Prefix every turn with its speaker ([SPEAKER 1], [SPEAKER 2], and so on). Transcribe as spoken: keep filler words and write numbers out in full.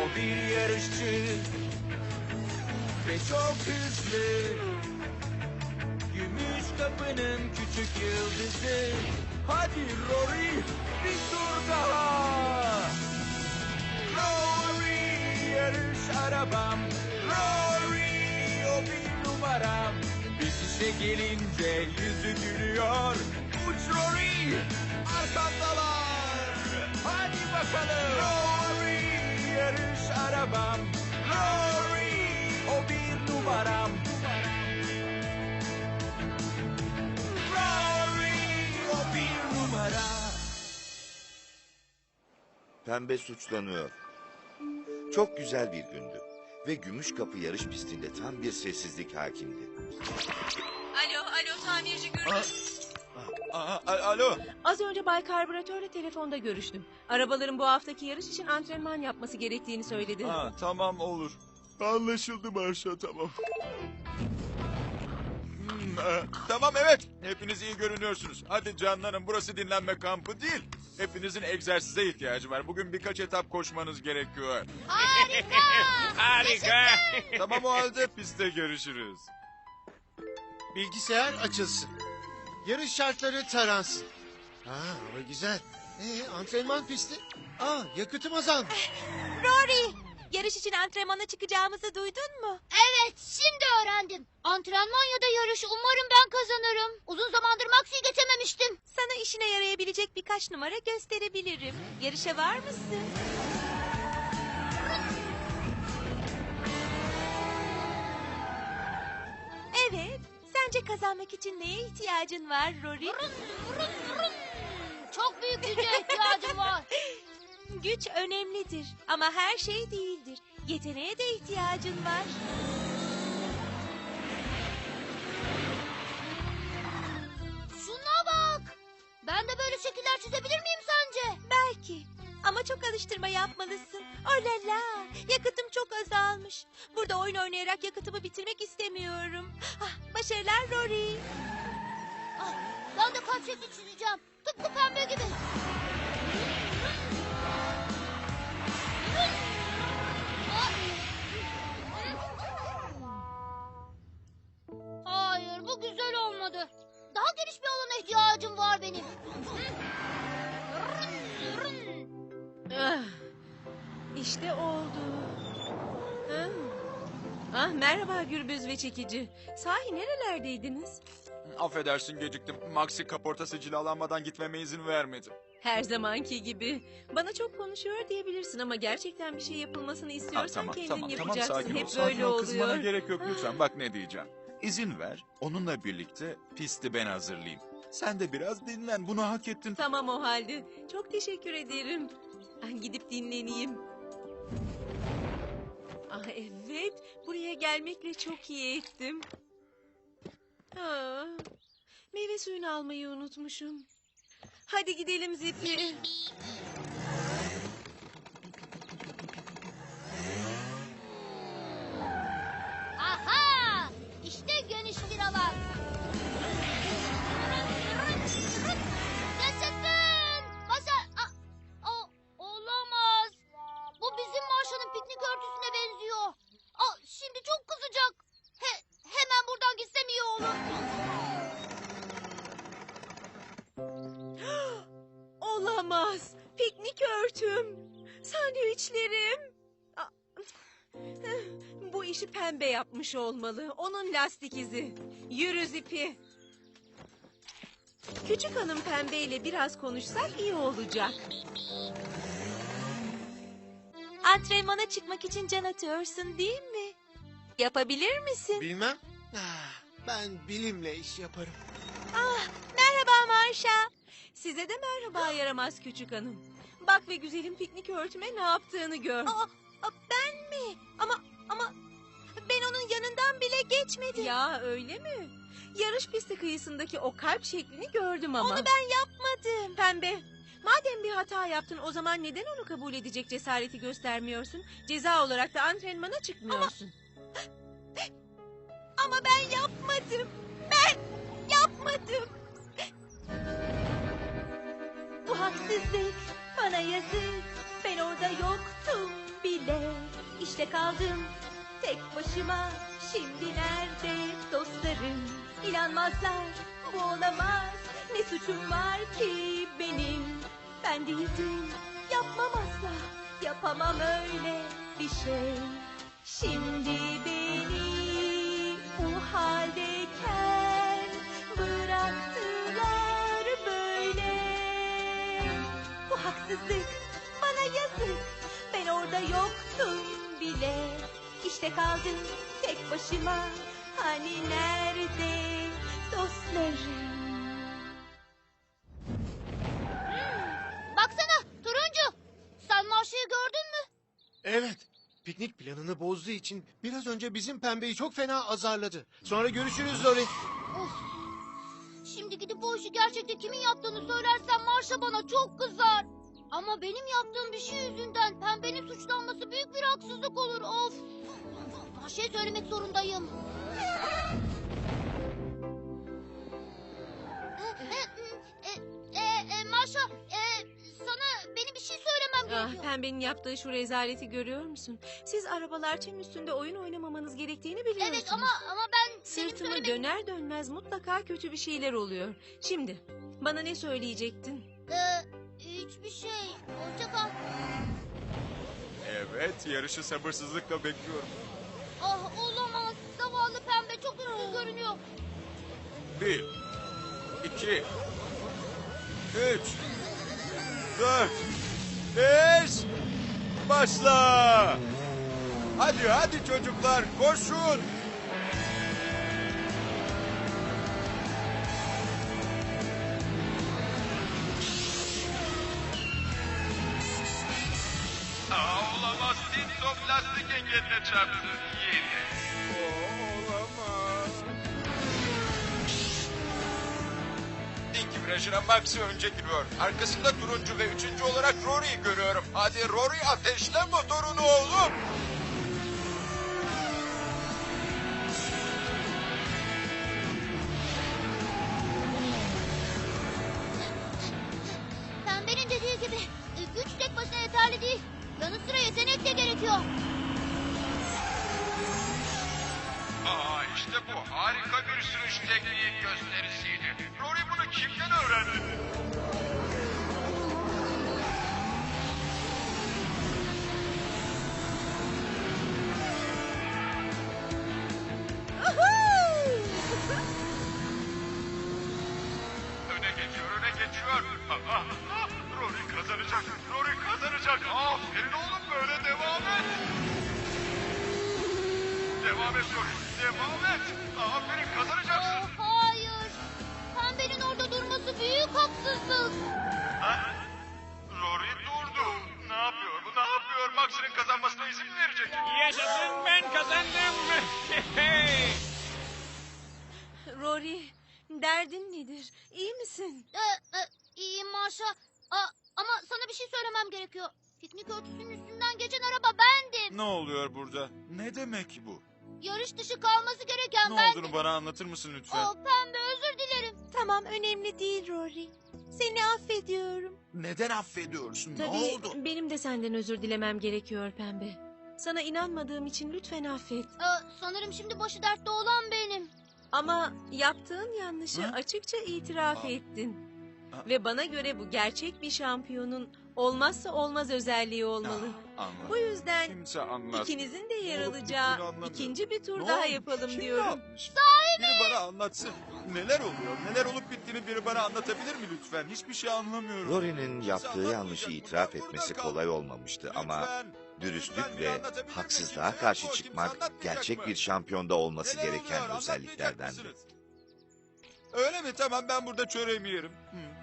[SPEAKER 1] O bir yarışçı ve çok hızlı. Gümüş kapının küçük yıldızı. Hadi Rory, bir tur daha. Rory, yarış arabam. Rory, o bir numaram. Bitişe gelince yüzü gülüyor. Uç Rory, arkandalar. Hadi bakalım. Rory, yarış arabam. Rory, o bir numaram.
[SPEAKER 2] Pembe suçlanıyor. Çok güzel bir gündü. Ve Gümüş Kapı yarış pistinde tam bir sessizlik hakimdi.
[SPEAKER 3] Alo, alo tamirci Gürbüz.
[SPEAKER 1] Aa, a- alo.
[SPEAKER 3] Az önce Bay Karbüratör'le telefonda görüştüm. Arabaların bu haftaki yarış için antrenman yapması gerektiğini söyledi.
[SPEAKER 1] Ha, tamam olur. Anlaşıldı Marşa, tamam. Hmm, e, tamam evet. Hepiniz iyi görünüyorsunuz. Hadi canlarım, burası dinlenme kampı değil. Hepinizin egzersize ihtiyacı var. Bugün birkaç etap koşmanız gerekiyor.
[SPEAKER 4] Harika!
[SPEAKER 1] Harika. Tamam o halde pistte görüşürüz.
[SPEAKER 5] Bilgisayar açılsın. Yarış şartları taransın. Ha, hava güzel. Ee, antrenman pisti. Aa, yakıtım azalmış.
[SPEAKER 4] Rory, yarış için antrenmana çıkacağımızı duydun mu? Evet, şimdi öğrendim. Antrenman ya da yarış, umarım ben kazanırım. Uzun zamandır Max'i geçememiştim. Sana işine yarayabilecek birkaç numara gösterebilirim. Yarışa var mısın? Evet, sence kazanmak için neye ihtiyacın var Rory? Çok büyük güce ihtiyacım var. Güç önemlidir ama her şey değildir. Yeteneğe de ihtiyacın var. Şuna bak. Ben de böyle şekiller çizebilir miyim sence? Belki. Ama çok alıştırma yapmalısın. Oh la la. Yakıtım çok azalmış. Burada oyun oynayarak yakıtımı bitirmek istemiyorum. Ah, başarılar Rory. Ah, ben de kalp şekli çizeceğim. Tıpkı pembe gibi. Hayır, bu güzel olmadı. Daha geniş bir alana ihtiyacım var benim.
[SPEAKER 3] Ah, işte oldu. Ah. Ah, merhaba Gürbüz ve Çekici. Sahi nerelerdeydiniz?
[SPEAKER 1] Affedersin geciktim. Maxi kaportası cilalanmadan gitmeme izin vermedi.
[SPEAKER 3] Her zamanki gibi. Bana çok konuşuyor diyebilirsin ama gerçekten bir şey yapılmasını
[SPEAKER 1] Ha,
[SPEAKER 3] istiyorsan
[SPEAKER 1] tamam
[SPEAKER 3] kendin
[SPEAKER 1] tamam tamam
[SPEAKER 3] yapacaksın.
[SPEAKER 1] sakin ol.
[SPEAKER 3] Hep
[SPEAKER 1] Sakin
[SPEAKER 3] böyle
[SPEAKER 1] ol, kızmana
[SPEAKER 3] oluyor.
[SPEAKER 1] gerek yok lütfen. Bak ne diyeceğim. İzin ver, onunla birlikte pisti ben hazırlayayım. Sen de biraz dinlen, bunu hak ettin.
[SPEAKER 3] Tamam o halde. Çok teşekkür ederim. Ah, gidip dinleneyim. Ah evet, buraya gelmekle çok iyi ettim. Ah, meyve suyunu almayı unutmuşum. Hadi gidelim Zipi.
[SPEAKER 4] Aha! İşte geniş bir alan. Yaşasın! Masa... A- o- olamaz. Bu bizim Marsha'nın piknik örtüsüne benziyor. Aa, şimdi çok kızacak. He- hemen buradan gitsem iyi olur.
[SPEAKER 3] Olamaz. Piknik örtüm. Sandviçlerim. Ah, bu işi pembe yapmış olmalı. Onun lastik izi. Yürü Zipi. Küçük hanım pembeyle biraz konuşsak iyi olacak.
[SPEAKER 4] Antrenmana çıkmak için can atıyorsun değil mi? Yapabilir misin?
[SPEAKER 5] Bilmem. Ah, ben bilimle iş yaparım.
[SPEAKER 4] Ah, merhaba Marsha.
[SPEAKER 3] Size de merhaba yaramaz küçük hanım. Bak ve güzelim piknik örtüme ne yaptığını gör.
[SPEAKER 4] Aa, aa, ben mi? Ama ama ben onun yanından bile geçmedim.
[SPEAKER 3] Ya öyle mi? Yarış pisti kıyısındaki o kalp şeklini gördüm ama.
[SPEAKER 4] Onu ben yapmadım.
[SPEAKER 3] Pembe, madem bir hata yaptın o zaman neden onu kabul edecek cesareti göstermiyorsun? Ceza olarak da antrenmana çıkmıyorsun.
[SPEAKER 4] Ama ben yapmadım. Ben yapmadım. Bu haksızlık. Bana yazık. Ben orada yoktum bile. bile. İşte kaldım tek başıma. Şimdi nerede dostlarım? İnanmazlar, bu olamaz. Ne suçum var ki benim? Ben değildim, yapmam asla. Yapamam öyle bir şey. Şimdi beni bu haldeyken bıraktılar böyle. Bu haksızlık, bana yazık. Ben orada yoktum bile. İşte kaldım tek başıma. Hani nerede dostlarım? Baksana turuncu. Sen Marşa'yı gördün mü?
[SPEAKER 5] Evet. Piknik planını bozduğu için biraz önce bizim pembeyi çok fena azarladı. Sonra görüşürüz Lori.
[SPEAKER 4] Of. Şimdi gidip bu işi gerçekte kimin yaptığını söylersem Marşa bana çok kızar. Ama benim yaptığım bir şey yüzünden pembenin suçlanması büyük bir haksızlık olur. Of. Marşa'ya söylemek zorundayım. E, e, e, Marşa, e, sana benim bir şey söylemem
[SPEAKER 3] Ah,
[SPEAKER 4] gerekiyor.
[SPEAKER 3] pembenin yaptığı şu rezaleti görüyor musun? Siz arabalar çim üstünde oyun oynamamanız gerektiğini biliyorsunuz.
[SPEAKER 4] Evet ama ama ben senin
[SPEAKER 3] Sırtımı
[SPEAKER 4] söylemek...
[SPEAKER 3] döner dönmez mutlaka kötü bir şeyler oluyor. Şimdi bana ne söyleyecektin?
[SPEAKER 4] Ee, hiçbir şey. Hoşça kal.
[SPEAKER 1] Evet, yarışı sabırsızlıkla bekliyorum.
[SPEAKER 4] Ah olamaz. Zavallı pembe çok üzgün görünüyor.
[SPEAKER 1] Bir, iki, üç, dört, beş, başla! Hadi hadi çocuklar, koşun! Aa, olamaz, Tinto plastik engeline çarptı. Yeni. Olamaz. İlk virajına Max'i önce giriyor. Arkasında turuncu ve üçüncü olarak Rory'yi görüyorum. Hadi Rory, ateşle motorunu oğlum.
[SPEAKER 4] Pembenin dediği gibi e, güç tek başına yeterli değil. Yanı sıra yetenek de gerekiyor.
[SPEAKER 1] Aa, işte bu harika bir sürüş tekniği gösterisiydi. Rory bunu kimden öğrendi? Öne geçiyor, öne geçiyor. Aa, aa, Rory kazanacak, Rory kazanacak. Aferin oğlum, böyle devam et. Devam et Rory, devam et. Aferin, kazanacaksın.
[SPEAKER 4] Oh, hayır. Pembenin orada durması büyük haksızlık.
[SPEAKER 1] Ha? Rory durdu. Ne yapıyor bu, ne yapıyor? Max'in kazanmasına izin mi verecek?
[SPEAKER 6] Yaşasın, ben kazandım.
[SPEAKER 3] Rory, derdin nedir? İyi misin?
[SPEAKER 4] Ee, e, iyiyim Marşa. Aa, ama sana bir şey söylemem gerekiyor. Piknik örtüsünün üstünden geçen araba bendim.
[SPEAKER 1] Ne oluyor burada? Ne demek bu?
[SPEAKER 4] Yarış dışı kalması gereken
[SPEAKER 1] Ne
[SPEAKER 4] bendim.
[SPEAKER 1] olduğunu bana anlatır mısın lütfen?
[SPEAKER 4] Oh, pembe özür dilerim.
[SPEAKER 3] Tamam, önemli değil Rory. Seni affediyorum.
[SPEAKER 1] Neden affediyorsun?
[SPEAKER 3] Tabii
[SPEAKER 1] Ne oldu?
[SPEAKER 3] benim de senden özür dilemem gerekiyor pembe. Sana inanmadığım için lütfen affet.
[SPEAKER 4] Aa, sanırım şimdi başı dertte olan benim.
[SPEAKER 3] Ama yaptığın yanlışı
[SPEAKER 1] Ha?
[SPEAKER 3] açıkça itiraf
[SPEAKER 1] Aa.
[SPEAKER 3] ettin.
[SPEAKER 1] Aa.
[SPEAKER 3] Ve bana göre bu gerçek bir şampiyonun olmazsa olmaz özelliği olmalı.
[SPEAKER 1] Ah, anladım.
[SPEAKER 3] Bu yüzden
[SPEAKER 1] Kimse anlat.
[SPEAKER 3] ikinizin de yer
[SPEAKER 1] Ne olup
[SPEAKER 3] alacağı
[SPEAKER 1] bittiğini anlamıyorum.
[SPEAKER 3] ikinci bir tur
[SPEAKER 1] Ne
[SPEAKER 3] daha
[SPEAKER 1] olmuş?
[SPEAKER 3] yapalım
[SPEAKER 1] Kim
[SPEAKER 3] diyorum.
[SPEAKER 1] yapmış? Biri bana anlatsın. Neler oluyor? Neler olup bittiğini biri bana anlatabilir mi lütfen? Hiçbir şey anlamıyorum.
[SPEAKER 2] Rory'nin
[SPEAKER 1] Kimse
[SPEAKER 2] yaptığı
[SPEAKER 1] anlatmayacak.
[SPEAKER 2] yanlışı
[SPEAKER 1] Bu
[SPEAKER 2] itiraf
[SPEAKER 1] ben
[SPEAKER 2] etmesi
[SPEAKER 1] burada
[SPEAKER 2] kolay
[SPEAKER 1] kaldım.
[SPEAKER 2] olmamıştı ama
[SPEAKER 1] Lütfen.
[SPEAKER 2] dürüstlük
[SPEAKER 1] Lütfen biri
[SPEAKER 2] ve
[SPEAKER 1] anlatabilir mi?
[SPEAKER 2] haksızlığa
[SPEAKER 1] Kimse
[SPEAKER 2] karşı
[SPEAKER 1] yok. Kimse
[SPEAKER 2] çıkmak
[SPEAKER 1] anlatmayacak
[SPEAKER 2] gerçek
[SPEAKER 1] mı?
[SPEAKER 2] bir şampiyonda olması
[SPEAKER 1] Neler oluyor?
[SPEAKER 2] gereken
[SPEAKER 1] Anlatmayacak
[SPEAKER 2] özelliklerdendi.
[SPEAKER 1] mısınız? Öyle mi? Tamam, ben burada çöreğimi yerim. Hı.